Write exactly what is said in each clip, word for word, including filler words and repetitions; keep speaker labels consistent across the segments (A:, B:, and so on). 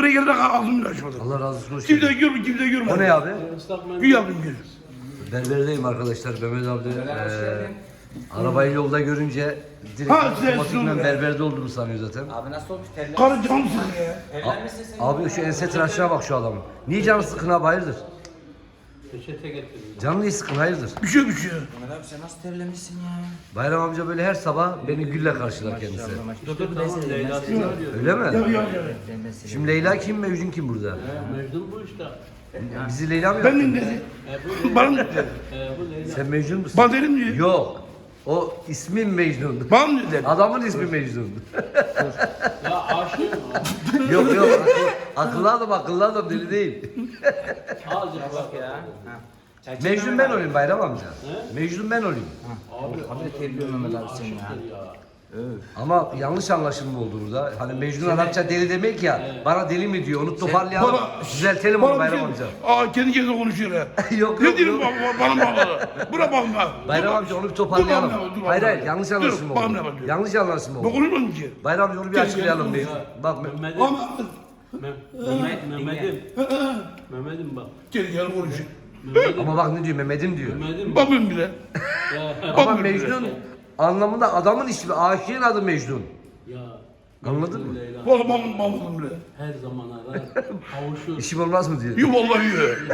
A: buraya gelene kadar ağzımı açmadım.
B: Allah razı olsun. Hoş
A: Kimse
B: geldin.
A: görmüyor, kimse görmedi.
B: O ne abi?
A: Gül yaptım gül.
B: Berberdeyim arkadaşlar. Mehmet abi de eee arabayı yolda görünce direkt
A: Ha, sen
B: otomatikmen
A: şunu-
B: berberde olduğumu sanıyor zaten.
C: Abi nasıl olmuş terler?
A: Karı canı sıkıyor ya.
C: Terlenmişsin sen.
B: Abi şu ense tıraşına bak şu adamın. Niye canı sıkın abi hayırdır?
D: Peçete getirdim.
B: Canı niye sıkın hayırdır?
A: Bir şey bir şey.
C: Mehmet abi sen nasıl terlemişsin ya?
B: Bayram amca böyle her sabah beni gülle karşılar kendisi.
C: Dur dur ben seni
D: Leyla
C: ben
D: seni
C: seni.
D: arıyor.
B: Öyle mi?
A: Ya ya ya.
C: Ben ben seni.
B: Şimdi Leyla kim, Mecnun kim burada?
D: He, Mecnun bu işte.
B: Bizi Leyla mı
A: Ben
B: yaptın?
A: de dedi.
D: He, bu
A: Bana mı dedi?
D: He, bu Leyla.
B: Sen Mecnun musun?
A: Bana dedim diyor.
B: Yok. O ismin Mecnun.
A: Bana mı dedi?
B: Adamın ismi Mecnun.
D: Ya aşığım.
B: Yok yok akıllı, akıllı adam akıllı adam deli değil.
D: Azıcık bak
C: Ya.
D: ya.
C: Ha. Çay çek
B: Mecnun
C: Mehmet
B: ben
C: abi.
B: olayım Bayram amca. Mecnun ben olayım.
D: Abi,
C: Abi terliyor Mehmet abi sen ya.
D: ya.
B: Ama yanlış anlaşılma oldu burada. Hani Mecnun Arapça deli demek ya. Bana deli mi diyor? Onu toparlayalım.
A: Bana-
B: Düzeltelim onu
A: Bana bir
B: Bayram
A: şey.
B: amca.
A: Aa kendi kendine konuşuyor ya.
B: Yok
A: Ne
B: yok
A: diyorsun
B: yok.
A: bana bana bana? Buna bakma.
B: Bayram amca onu bir toparlayalım.
A: Dur, dur, dur, dur,
B: Hayır
A: dur.
B: hayır yanlış
A: Dur,
B: anlaşılma
A: bana
B: oldu.
A: ne bakıyor?
B: Yanlış anlaşılma
A: Ben
B: oldu.
A: konuşmadım ki.
B: Bayram amca onu bir açıklayalım bir. Bak
D: Mehmet'im.
A: Ama
D: Mehmet, Mehmet'im. Mehmet'im bak.
A: kendi kendine konuşuyor.
D: Mehmet'im.
B: ama bak ne diyor Mehmet'im diyor.
D: Mehmet'im.
A: Bakmıyorum bile.
D: Ya.
B: Ama
A: Bakmıyorum
B: Mecnun
A: bile.
B: anlamında adamın ismi, aşığın adı Mecnun.
D: Ya.
B: Anladın
D: Mecnun
B: mı?
D: Leyla.
A: Vallahi bakmıyorum bakmıyorum bile.
D: Her zaman arar. Kavuşur.
B: İşim olmaz mı diyor.
A: Yuh vallahi yuh.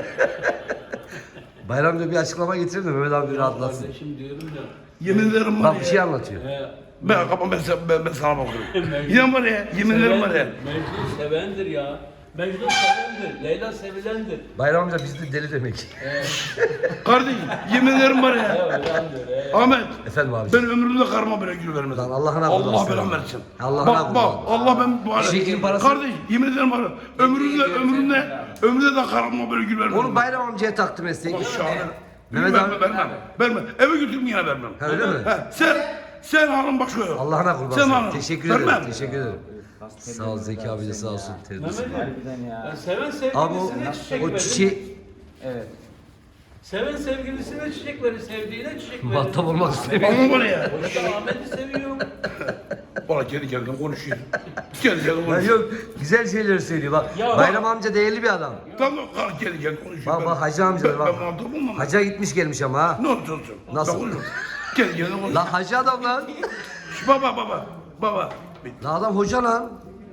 B: Bayram diyor bir açıklama getirin de Mehmet abi bir rahatlatsın.
D: Kardeşim diyorum ya.
A: Yemin ederim var
B: Bak bir şey
A: ya.
B: anlatıyor.
D: He,
A: Ben kapam ben, sen- ben, ben sana bakıyorum.
D: Mecnun-
A: İnan var ya. Yemin ederim var ya.
D: Mecnun sevendir ya. Mecnun sevendir. Leyla sevilendir.
B: Bayram amca bizde deli demek.
A: Kardeşim yemin ederim var ya.
D: Ya öyle anlıyor. he.
A: Ahmet.
B: Efendim abi.
A: Ben ömrümde karıma böyle gül vermedim.
B: Lan Allah'ına
A: Allah
B: kurban
A: belamı
B: sana.
A: versin.
B: Allah'ına
A: Bak
B: kurban.
A: bak Allah ben bu arada.
B: Şeklin parası-
A: Kardeş yemin ederim var ya. Ömrümde ömrümde ömrümde de karıma böyle gül vermedim.
B: Onu Bayram amcaya takdim etsek.
A: Şahane.
B: Mehmet
A: vermem,
B: abi-
A: vermem. Vermem. Eve götürüm yine vermem.
B: Ha, öyle mi?
A: He, sen sen hanım başka yok.
B: Allah'ına kurban.
A: Sen
B: sana.
A: hanım.
B: Teşekkür
A: Vermem.
B: ederim. Teşekkür ederim. Sağ ol Zeki abi de sağ olsun. Terbiyesiz.
D: Mehmet'im. Ya seven
B: Abi o,
D: sevgilisine çiçek
B: o
D: verir.
B: çiçeği
C: Evet.
D: Seven sevgilisine çiçek verir, sevdiğine çiçek verir.
B: muhatap olmak istemiyorum.
A: Hanım var ya.
D: O işte Ahmet'i seviyorum.
A: Bana kendi kendine konuşuyor. Kendi kendine
B: Ya
A: konuşuyor.
B: yok güzel şeyler söylüyor bak.
D: Ya
B: Bayram amca değerli bir adam.
A: Tamam kar kendi kendine konuşuyor.
B: Bak bak hacı amca da
A: Ben,
B: bak.
A: ben muhatap olmam.
B: Hacca gitmiş gelmiş ama ha.
A: Ne olursa olsun.
B: Nasıl?
A: Ben konuşuyorum. Kendi kendine konuşuyor.
B: Lan hacı adam lan.
A: Şş, Baba baba. Baba.
B: Lan adam hoca lan.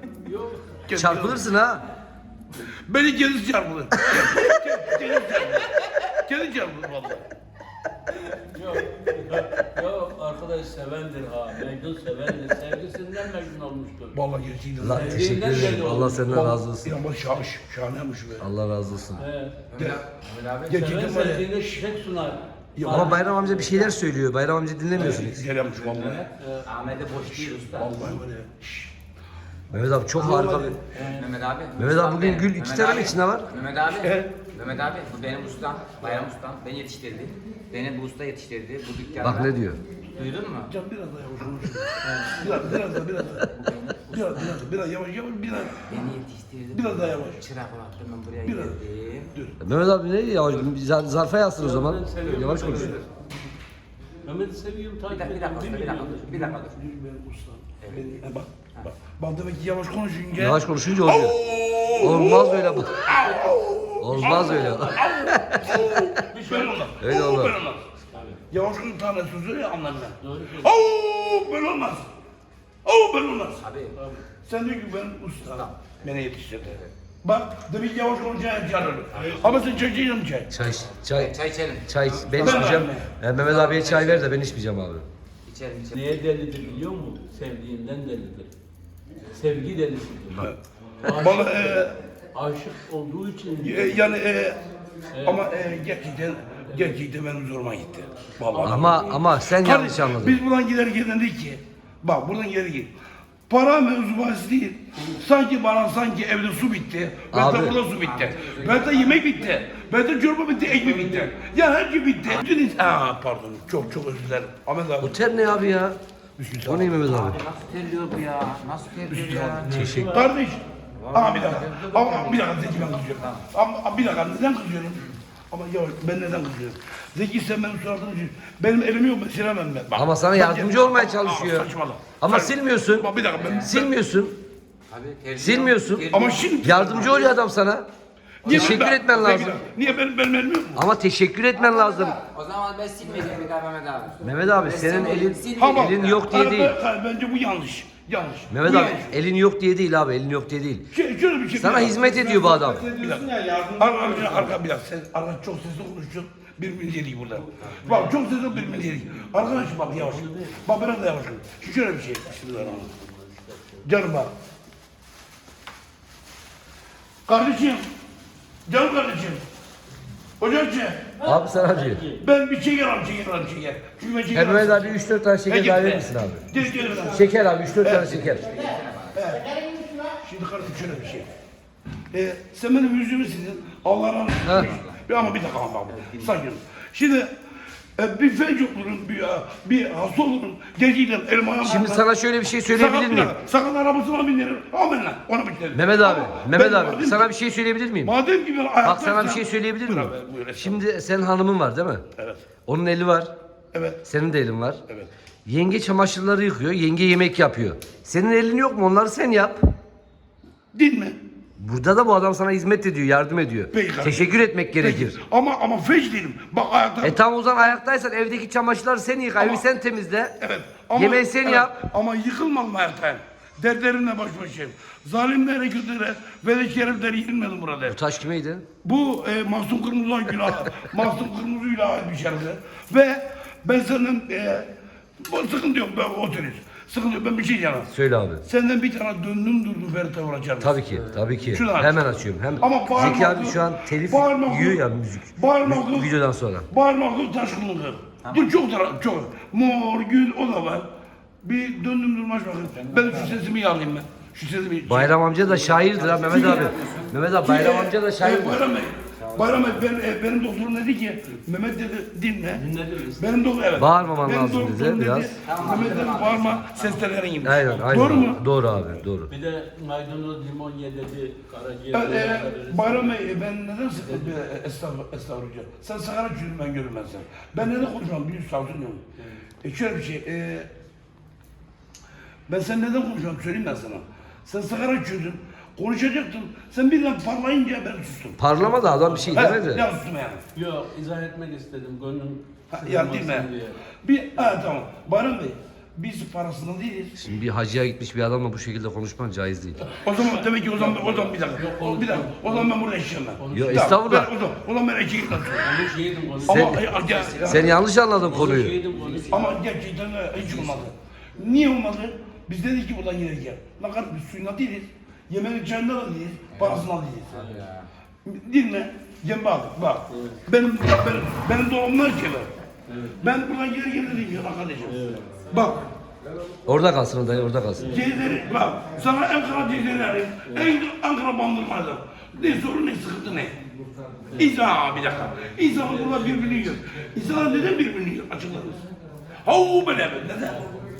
A: Kendi-
B: Çarpılırsın ha.
A: Beni kendisi çarpılır. Kendi- Kendi çarpılır. Kendi çarpılır vallahi.
D: Yok, yok arkadaş sevendir ha. Mecnun sevendir. Sevgisinden mecnun olmuştur.
A: Vallahi gerçekten.
B: Lan
D: Sevdiğinden
B: teşekkür ederim.
D: belli
B: Allah
D: oldu.
B: senden razı olsun.
A: İnan bak şahış. Şahaneymiş be.
B: Allah razı olsun.
D: He.
C: Mehmet abi.
D: Seven
A: Gerçekten var ya.
D: sevdiğine çiçek sunar.
B: Ama Bayram amca bir şeyler söylüyor. Bayram amca dinlemiyorsunuz.
A: Güzel yapmış vallahi.
C: Ahmet'e boş değil usta.
A: Vallahi var ya. Şş.
B: Mehmet abi çok harika bir...
C: Mehmet abi.
B: Mehmet abi bugün gül iki tane mi içinde var?
C: Mehmet abi.
A: Evet.
C: Mehmet abi bu benim ustam. Bayram ustam. Beni yetiştirdi. Beni bu usta yetiştirdi. Bu dükkanda.
B: Bak ne diyor.
C: Duydun mu?
A: Can biraz daha yavaş konuş. Biraz biraz daha biraz daha. Biraz biraz biraz yavaş yavaş biraz.
C: Beni yetiştirdi.
A: Biraz daha yavaş.
C: Çırak olarak ben buraya
A: Biraz.
C: geldim.
B: Mehmet abi ne yavaş zar- zarfa yazsın o zaman.
D: Ben seviyorum
B: Yavaş
D: Mehmet'i.
B: konuş.
D: Mehmet'i seviyorum
C: Bir
D: takip
C: dakika, bir dakika,
D: ediyorum.
C: usta, bir dakika dur. Bir dakika dur.
A: Benim ustam. Benim- e, Bak bak. Bak demek ki yavaş konuşunca.
B: Yavaş konuşunca oluyor. Olmaz böyle bu. Olmaz öyle.
D: Bir şey olmaz.
B: Öyle
A: Oo,
B: olur.
A: böyle olmaz. Yavaş konuş tane sözü ya anlarım ben.
D: Doğru söylüyorsun.
A: Oo böyle olmaz. Oo böyle olmaz.
C: Abi.
A: Sen diyor ki ben usta. Beni yetiştirdi. Bak demek ki yavaş konuşunca çağırır. Ama sen çay içeceksin çay.
B: Çay, çay,
C: Çay içelim.
B: çay. Ben içmeyeceğim. E, Mehmet abiye çay ver de ben içmeyeceğim abi.
C: İçelim içelim.
D: Neye delidir biliyor musun? Sevdiğinden delidir. Sevgi delisidir.
A: Bana e,
D: Aşık olduğu için
A: e, yani e, ama e, gerçekten gerçekten benim zoruma gitti. Vallahi.
B: Ama ama sen yanlış
A: Kardeş,
B: anladın.
A: biz buradan giderken dedik ki, bak buradan giderken git. Para mevzu bahsi değil. Sanki bana sanki evde su bitti. Ben
B: Abi.
A: de burada su bitti. Ben de yemek bitti. Ben de çorba bitti, ekmek bitti. Ya her şey bitti. Bütün ins- Aa pardon. Çok çok özür dilerim. Ahmet abi.
B: Bu ter ne abi ya? O ne Mehmet abi?
C: Abi nasıl terliyor bu ya? Nasıl terliyor ya?
B: Teşekkür.
A: Kardeş. Aa bir dakika. Ama bir dakika Zeki ben kızıyorum. Ama bir dakika neden kızıyorum? Ama ya ben neden kızıyorum? Zeki sen benim suratımı sil. Benim elim yok ben silemem ben. Bak,
B: Ama sana
A: bak,
B: yardımcı
A: bak,
B: olmaya
A: aa,
B: çalışıyor.
A: saçmalama.
B: Ama
A: Sen-
B: silmiyorsun.
A: Bak bir dakika ben.
B: Silmiyorsun.
C: Abi, tercih-
B: Silmiyorsun.
C: tercih-
A: Ama şimdi...
B: Yardımcı oluyor adam sana.
A: Niye
B: Teşekkür
A: ben-
B: etmen
A: ben-
B: lazım.
A: Niye benim benim elim yok mu?
B: Ama teşekkür etmen lazım.
C: O zaman ben silmeyeceğim bir daha Mehmet abi.
B: Mehmet abi
C: Ben
B: senin
C: silmeyeceğim,
B: elin
C: silmeyeceğim.
A: Ama-
B: elin yok diye
A: Hayır,
B: değil.
A: ben- hayır, bence bu yanlış. Yanlış.
B: Mehmet
A: Bu
B: abi
A: yanlış.
B: elin yok diye değil abi, elin yok diye değil.
A: Şey, şöyle bir şey.
B: Sana
A: bir dakika.
B: hizmet ediyor bu adam.
A: Bir dakika. Arka, arka, arka bir dakika. Sen arka çok sesli konuşuyorsun. Birbirimizi yedik burada. Bak çok sesli birbirimizi yedik. Arkadaş bak yavaş. Bak biraz da yavaş. Şu şöyle bir şey. Bismillahirrahmanirrahim. Canım bak. Kardeşim. Canım kardeşim. Hocacığım.
B: Abi sana diyor.
A: Ben bir şeker alayım, şeker alayım, şeker. Çünkü ben şeker
B: He Mehmet abi üç dört tane şeker daha verir misin abi?
A: Gel gel lan.
B: Şeker abi üç dört tane şeker.
A: Şimdi kardeşim şöyle bir şey. Ee, sen benim yüzümü sildin. Allah razı
B: Ha.
A: olsun. Bir ama bir dakika ama bak. Sakin. Şimdi e, bir felç olurun, bir, bir hasta olurun. Geceyle elim ayağım
B: Şimdi
A: patlar.
B: sana şöyle bir şey söyleyebilir
A: Sakat
B: miyim?
A: bir- Sakat arabasına bindiririm. Amin lan. Ona bitirelim.
B: Mehmet abi,
A: Ama
B: Mehmet
A: ben
B: abi
A: madem
B: sana
A: ki-
B: bir şey söyleyebilir miyim?
A: Madem ki ben ayakta...
B: Bak sana bir şey söyleyebilir
A: Buyur
B: miyim?
A: abi, buyur, estağfurullah.
B: Şimdi senin hanımın var değil mi?
A: Evet.
B: Onun eli var.
A: Evet.
B: Senin de elin var.
A: Evet.
B: Yenge çamaşırları yıkıyor, yenge yemek yapıyor. Senin elin yok mu? Onları sen yap.
A: Değil mi?
B: Burada da bu adam sana hizmet ediyor, yardım ediyor.
A: Peki kardeşim.
B: Teşekkür etmek gerekir.
A: Peki. Ama ama feç değilim. Bak ayakta...
B: E tam o zaman ayaktaysan evdeki çamaşırları sen yıka, evi sen temizle.
A: Evet.
B: Yemeği sen
A: evet,
B: yap.
A: Ama yıkılmadım ayaktayım. Dertlerimle baş başayım. Zalimlere, kötülere ve de şereflere yenilmedim burada.
B: Bu taş kimeydi?
A: Bu e, Mahsun Kırmızı'dan günah, Mahsun Kırmızı'yla ait bir şerefler. Ve ben senden, e, bu sıkıntı yok, ben oturuyoruz. Sıkıntı yok, ben bir şey diyemem.
B: Söyle abi.
A: Senden bir tane döndüm durdum Ferit'e vuracağım.
B: Tabii ki, tabii ki.
A: Şunu aç.
B: Hemen açıyorum. Hem
A: Ama bağırma
B: Zeki abi
A: kız,
B: şu an telif
A: bağırma kız,
B: yiyor ya müzik.
A: bağırma
B: Vi-
A: kız.
B: Videodan sonra.
A: Bağırma kız taşkınlığı. Dur çok taraf, çok. Mor, gül, o da var. Bir döndüm durmaş bakın. Ben şu sesimi yağlayayım ben. Şu sesimi...
B: Bayram amca da şairdir ha Mehmet abi. Mehmet abi Bayram
A: Çünkü,
B: amca da
A: e,
B: şairdir.
A: Bayram Bey, Bayram Bey, ben, e, benim doktorum dedi ki, Mehmet dedi, dinle. Benim doktor, evet.
B: Bağırmaman
A: Benim
B: lazım
A: doktorum
B: dedi, biraz.
A: Mehmet dedi, bağırma, seslerin gibi.
B: Aynen, aynen.
A: Doğru mu?
B: Doğru abi, doğru.
D: Bir de maydanoz limon ye dedi. Karaciğer.
A: Evet, e,
D: verirsin.
A: Bayram Bey, e, ben neden sıkıldım? E, estağfurullah, estağfurullah. Sen sakara çürüm, ben görünmez sen. Ben neden konuşmam, biliyorsun, savcılıyorum. E, şöyle bir şey, e, ben sen neden konuşmam, söyleyeyim ben sana. Sen sakara çürdün, konuşacaktın. Sen birden parlayınca ben sustum.
B: Parlama da adam bir şey
A: He,
B: demedi.
A: ya sustum yani.
D: Yok izah etmek istedim. Gönlüm
A: Ha, ya değil mi?
D: sızlamasın diye.
A: Bir, ha tamam. Bayram Bey, biz parasından değiliz.
B: Şimdi bir hacıya gitmiş bir adamla bu şekilde konuşman caiz değil.
A: O zaman demek ki o zaman, o zaman bir dakika. O, bir dakika. O zaman ben burada eşeğim ben.
B: Yok,
A: Tamam,
B: estağfurullah.
A: ben- O zaman, o zaman ben eşeğim ben.
D: Konuş yedim konuş.
A: Ama,
B: Sen-
A: ya, ya, ya,
B: Sen yanlış anladın
D: Konuş
B: konuyu.
D: yedim konuş.
A: ama gerçekten de hiç olmadı. Niye olmadı? Biz dedik ki buradan yine gel. Ne kadar biz suyuna değiliz. Yemeğin çayında da değiliz. Parasından değiliz. Değil mi? Gel bak, bak. Benim, benim, benim doğumlar ki var. Ben buradan geri geri dedim ya kardeşim. Bak,
B: Orada kalsın dayı, orada kalsın.
A: Ceyleri, bak, sana Ankara Ceyleri arayayım. En Ankara bandırmada. Ne sorun ne sıkıntı ne? İnsan bir dakika. İnsanlar burada birbirini yiyor. İnsanlar neden birbirini yiyor? Açıklar mısın? Havu böyle mi? Neden?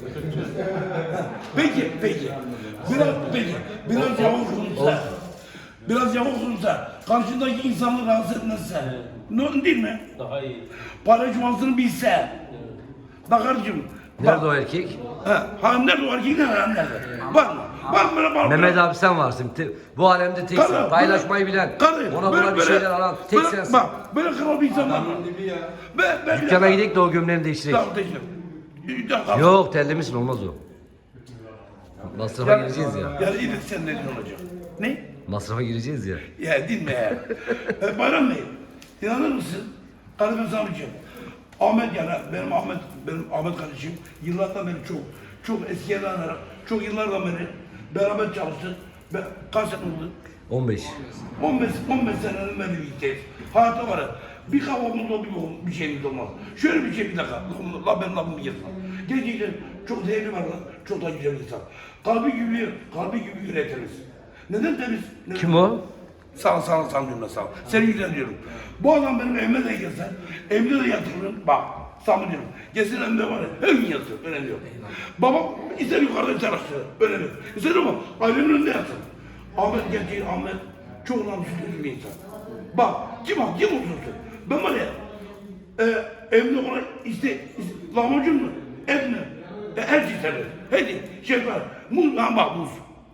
A: Peki, peki. Biraz, peki. Biraz yavaş olursa. Biraz yavaş olursa. Karşındaki insanı rahatsız etmezse. Ne değil mi?
D: Daha iyi.
A: Para cumasını bilse. Bak kardeşim.
B: Nerede o erkek?
A: Ha, ha nerede o erkek nerede? Nerede? Var mı? Var mı? Var mı?
B: Mehmet abi sen varsın. Te- Bu alemde teksin.
A: Karı,
B: Paylaşmayı
A: böyle-
B: bilen.
A: karı,
B: Ona
A: böyle-
B: buna bir
A: böyle-
B: şeyler alan tek
A: böyle-
B: sensin.
A: Bak, böyle kral bir insan var mı? Ben, ben
B: Dükkana gidelim de o gömleğini değiştirek.
A: Tamam, teşekkür. Bir dakika.
B: Yok terlemişsin olmaz o. Masrafa gireceğiz ya.
A: Yani yine sen ne olacak? Ne?
B: Masrafa gireceğiz ya.
A: Ya değil mi ya? e, Bayram Bey, inanır mısın? Kardeşim sana bir şey. Ahmet yani, benim Ahmet, benim Ahmet kardeşim yıllardan beri çok, çok eskiye dayanarak, çok yıllardan beri beraber çalıştık. Ben, kaç sene oldu?
B: on beş.
A: on beş, on beş senenin beri birlikteyiz. Hayatta var ya, bir kavgamız olur, bir, bir şeyimiz olmaz. Şöyle bir şey bir dakika, la, la benim lafımı yesin. Gerçekten çok değerli var lan, çok da güzel insan. Kalbi gibi, kalbi gibi yüreği temiz. Neden temiz? Neden?
B: Kim o?
A: Sağ ol, sağ ol, sağ ol diyorum ben, sağ ol. Seni güzel diyorum. Bu adam benim evime de gelse, evimde de yatırırım, bak, sana diyorum. Gelsin evimde var ya, her gün yatır, önemli yok. Babam ister yukarıda ister aşağıda, önemli yok. İster ama ailenin önünde yatsın. Ahmet gerçeği, Ahmet çok namuslu bir insan. Bak, kim bak, kim olursun sen? Ben var ya, e, evimde ona iste, iste lahmacun mu, et mi, e, her şey sever. Hadi, şey var, muz, ha bak muz.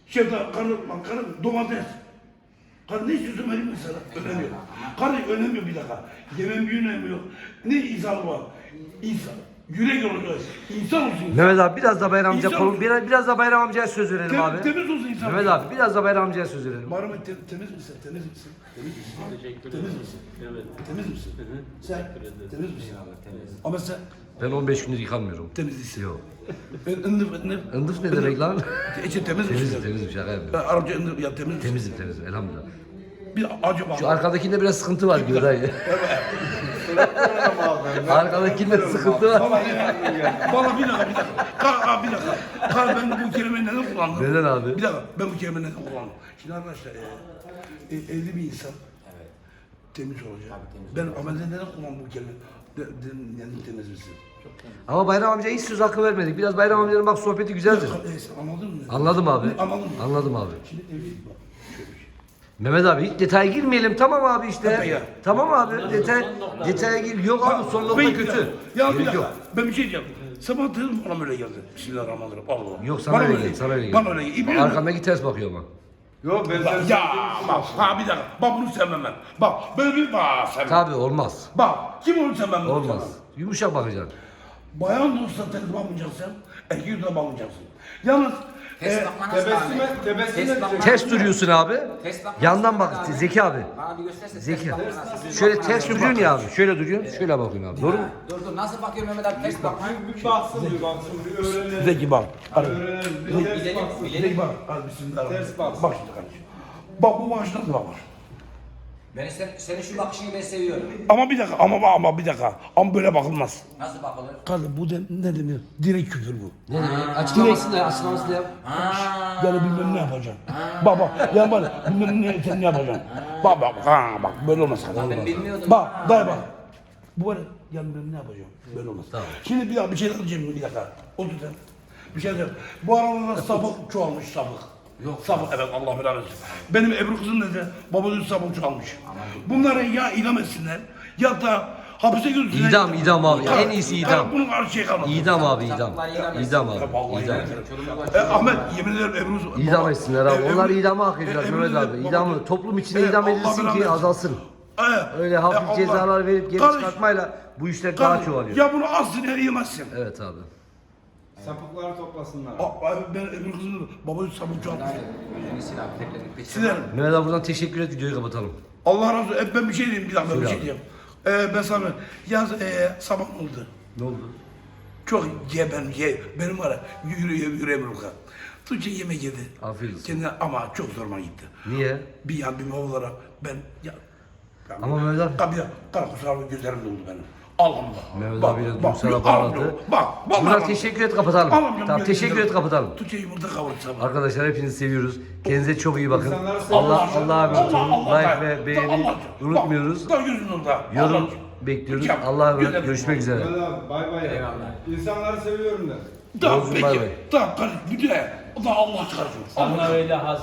A: Şeftal, karı, bak karı, domates. Karı ne istiyorsun vereyim mi sana? Önemi yok. Karı önemi yok bir dakika. Yemen bir önemi yok. Ne insan var? İnsan. Yürek olacak. İnsan olsun. insan.
B: Mehmet abi biraz da Bayram amca
A: İnsan
B: konu
A: olsun.
B: biraz, biraz da Bayram amcaya söz verelim
A: Tem-
B: abi.
A: Temiz olsun insan.
B: Mehmet abi biraz da Bayram amcaya söz verelim.
A: Muharrem te- temiz misin? Temiz misin? Temiz misin?
D: Teşekkür
A: Temiz
D: ederim.
A: misin?
D: Evet.
A: Temiz misin? Sen temiz misin? Ama sen
B: Ben on beş gündür yıkanmıyorum.
A: temiz değilsin.
B: Yok.
A: Ben ındıf ındıf.
B: Indıf ne demek lan?
A: İçin temiz
B: Temizim
A: misin?
B: temizim şaka
A: Ben
B: yapıyorum.
A: Arapça ındıf ya temiz misin?
B: Temizim temizim elhamdülillah.
A: Bir acaba.
B: Şu arkadakinde biraz sıkıntı var gibi dayı. Arkadakinde sıkıntı var.
A: Valla ya. Valla bir dakika bir dakika. Kar, kar, bir dakika. Kar ben bu kelimeyi neden kullandım?
B: Neden abi?
A: Bir dakika ben bu kelimeyi neden kullandım? Şimdi arkadaşlar e, e, evli bir insan temiz olacak. Ben amelden neden kullandım bu kelimeyi? De, de, yani temiz misin?
B: Ama Bayram amcaya hiç söz hakkı vermedik. Biraz Bayram amcanın bak sohbeti güzeldir.
A: E, sen anladın mı?
B: Anladım abi.
A: Anladın mı?
B: Anladım abi.
A: Şimdi evlilik bak. Şöyle bir şey.
B: Mehmet abi hiç detaya girmeyelim tamam abi işte.
A: Tabii ya.
B: Tamam abi detay detaya gir. Yok abi son nokta
A: Ben-
B: kötü.
A: Ya bir
B: Gerek
A: dakika.
B: yok.
A: Ben bir şey diyeceğim. Sabah dedim bana böyle geldi. Bismillahirrahmanirrahim. Allah Allah.
B: Yok sana
A: Bana
B: öyle geldi. Sana öyle geldi.
A: Bana öyle geldi. İbni-
B: Arkamdaki ters bakıyor ama.
E: Yok ben
A: Bak,
E: sen
A: ya bak ha bir dakika. Bak bunu sevmem ben. Bak böyle bir bak sevmem.
B: Tabii olmaz.
A: Bak kim onu sevmem bunu
B: Olmaz.
A: sevmem.
B: Yumuşak bakacaksın.
A: Bayan da olsa tez bakmayacaksın. Erkek de bakmayacaksın. Yalnız
C: Test
A: e,
C: bakma nasıl
E: tebessüm
C: abi?
E: et, tebessüm
C: Test
E: et.
C: bakma
B: Ters
C: nasıl?
B: duruyorsun abi.
C: Test bakma
B: Yandan
C: nasıl
B: bak
C: abi?
B: Zeki abi.
C: Bana bir gösterse
B: Zeki.
C: test bakma nasıl?
B: Şöyle
C: Bakma
B: ters
C: nasıl?
B: duruyorsun ya abi. Şöyle duruyorsun. Şöyle bakıyorsun abi. Doğru mu?
C: Dur dur nasıl bakıyor Mehmet abi test bakma.
E: Bir baksın bir baksın bir öğrenelim.
A: Zeki bak. Hadi.
E: Öğrenelim. Bir ters
C: Bilelim,
E: baksın.
C: bilelim.
A: Zeki bak. Hadi bismillahirrahmanirrahim.
E: Ters bak.
A: Bak şimdi kardeşim. Bak bu maaş nasıl bakar?
C: Ben sen, senin şu bakışını ben seviyorum.
A: Ama bir dakika ama bak ama bir dakika. Ama böyle bakılmaz.
C: Nasıl bakılır?
A: Kardeşim bu de, ne demiyor? Direkt küfür bu.
B: Ne demek? Açıklamasını da açıklamasını da yap.
A: Yani bilmem ne yapacaksın. Bak bak. Yani bak bilmem ne sen ne yapacaksın. Bak bak ha bak böyle olmaz.
C: Ben bilmiyordum.
A: Bak dayı bak. Bu var ya yani ben ne yapacağım? Böyle olmaz.
B: Tamam.
A: Şimdi bir dakika bir şey diyeceğim bir dakika. Otur sen. Bir şey diyeceğim. Bu aralarda sapık çoğalmış sapık. Yok. Sapık evet Allah belanı versin. Benim Ebru kızım dedi babası sapık çoğalmış. Bunları ya idam etsinler ya da hapise götürsünler.
B: İdam, idam abi.
A: Tabii,
B: En iyisi
A: tabii,
B: idam.
A: Bunun karşı şey kalmadı.
B: İdam abi idam.
C: Sapıklar idam
B: İdam abi.
A: Ya vallahi
B: İdam.
A: idam. E, Ahmet yemin ederim Ebru...
B: İdam etsinler abi.
A: E,
B: Onlar
A: Ebru-
B: idamı hak
A: e,
B: ediyorlar
A: Ebru
B: Mehmet
A: dedi,
B: abi.
A: baba-
B: İdamı toplum içinde
A: E,
B: idam
A: Allah
B: edilsin
A: belanı
B: ki
A: versin.
B: azalsın.
A: E,
B: Öyle
A: e,
B: hafif
A: Allah-
B: cezalar verip geri
A: Kardeş-
B: çıkartmayla bu işler daha
A: kardeş,
B: çoğalıyor.
A: Ya bunu aslında yiyemezsin.
B: Evet abi.
E: Sapıkları toplasınlar.
A: Aa, Ben Ebru kızım babası sapık çoğalmış.
C: Yüzünü sil abi. Tek tek peçete.
A: Silerim.
B: Mehmet abi buradan teşekkür et videoyu kapatalım.
A: Allah razı olsun. E, ben bir şey diyeyim bir dakika ben bir
B: Söyle
A: şey
B: abi.
A: diyeyim. E, ben sana yaz e, sabah oldu.
B: Ne oldu?
A: Çok ye ben ye. Benim var ya yürü yürü yürü Ebru kızım. Tuğçe yemek yedi.
B: Afiyet olsun.
A: Kendine ama çok zoruma gitti.
B: Niye?
A: Bir yan bir baba olarak ben ya. ya
B: Ama Mehmet abi-
A: Tabii ya. Kara kusura gözlerim doldu benim. Allah'ım bak.
B: Mehmet
A: bak,
B: abi de
A: bak,
B: duygusala
A: yok,
B: bağladı.
A: Allah'ım, Bak. Bak.
B: Buradan teşekkür et kapatalım.
A: Allah'ım,
B: Tamam teşekkür et kapatalım.
A: Tuğçe yumurta kavurdu sabah.
B: Arkadaşlar hepinizi seviyoruz. Kendinize çok iyi bakın.
E: İnsanları seviyoruz.
B: Allah Allah'a emanet olun.
A: Allah, Allah,
B: Like ve
A: Allah,
B: beğeni
A: Allah.
B: unutmuyoruz.
A: Bak, gözünün orada.
B: Yorum
A: Allah.
B: bekliyoruz.
A: Hocam,
B: Allah'a emanet.
A: güzel-
B: Görüşmek üzere.
E: Hadi abi bay bay.
C: Eyvallah.
E: İnsanları seviyorum de.
A: Tamam
B: Yolcum,
A: peki.
B: bay bay.
A: Tamam kardeşim. Bir de. O da Allah çıkarsın.
D: Sana öyle has